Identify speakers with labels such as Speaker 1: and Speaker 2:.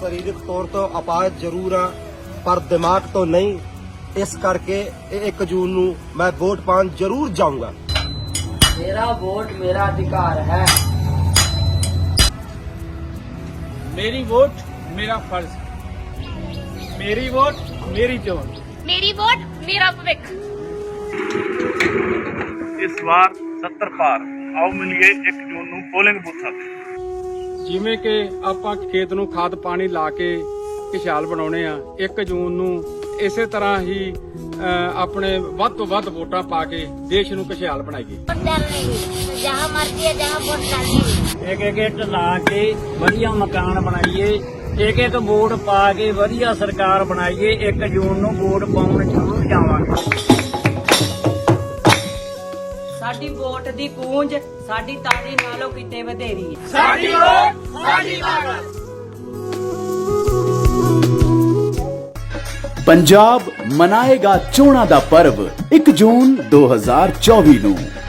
Speaker 1: ਸਰੀਰਕ ਤੌਰ ਤੋਂ ਅਪਾਹਜ ਜ਼ਰੂਰ ਹਾਂ ਪਰ ਦਿਮਾਗ ਤੋਂ ਨਹੀਂ। ਇਸ ਕਰਕੇ 1 ਜੂਨ ਨੂੰ ਮੈਂ ਵੋਟ ਪਾਉਣ ਜ਼ਰੂਰ ਜਾਊਂਗਾ।
Speaker 2: मेरा वोट मेरा अधिकार है।
Speaker 3: मेरी वोट मेरा फर्ज। मेरी वोट मेरी चोन।
Speaker 4: मेरी वोट मेरा भविख।
Speaker 5: इस बार 70 पार आओ मिलिए 1 जून ਨੂੰ ਪੋਲਿੰਗ ਬੂਥਾਂ ਤੇ।
Speaker 3: ਜਿਵੇਂ ਕਿ ਆਪਾਂ ਖੇਤ ਨੂੰ ਖਾਦ ਪਾਣੀ ਲਾ ਕੇ ਖੁਸ਼ਹਾਲ ਬਣਾਉਣੇ ਆ, 1 ਜੂਨ ਨੂੰ ਇਸੇ ਤਰ੍ਹਾਂ ਹੀ ਆਪਣੇ ਵੱਧ ਤੋਂ ਵੱਧ ਵੋਟਾਂ ਪਾ ਕੇ ਦੇਸ਼ ਨੂੰ ਖੁਸ਼ਹਾਲ ਬਣਾਈਏ।
Speaker 4: जहाँ मर्जी है जहाँ वोट डालिए।
Speaker 2: एक ਇੱਟ ਲਾ ਕੇ ਵਧੀਆ ਮਕਾਨ ਬਣਾਈਏ, ਇੱਕ ਵੋਟ ਪਾ ਕੇ ਵਧੀਆ ਸਰਕਾਰ ਬਣਾਈਏ। 1 ਜੂਨ ਨੂੰ ਵੋਟ ਪਾਉਣ ਜ਼ਰੂਰ ਜਾਵਾਂਗੇ। ਸਾਡੀ ਵੋਟ ਦੀ ਗੂੰਜ ਸਾਡੀ ਤਾੜੀ ਨਾਲੋਂ ਕਿਤੇ ਵਧੇਰੀ ਹੈ।
Speaker 3: ਸਾਡੀ ਵੋਟ ਸਾਡੀ ਤਾਕਤ।
Speaker 6: पंजाब मनाएगा चोणां दा पर्व 1 जून 2024 ਨੂੰ।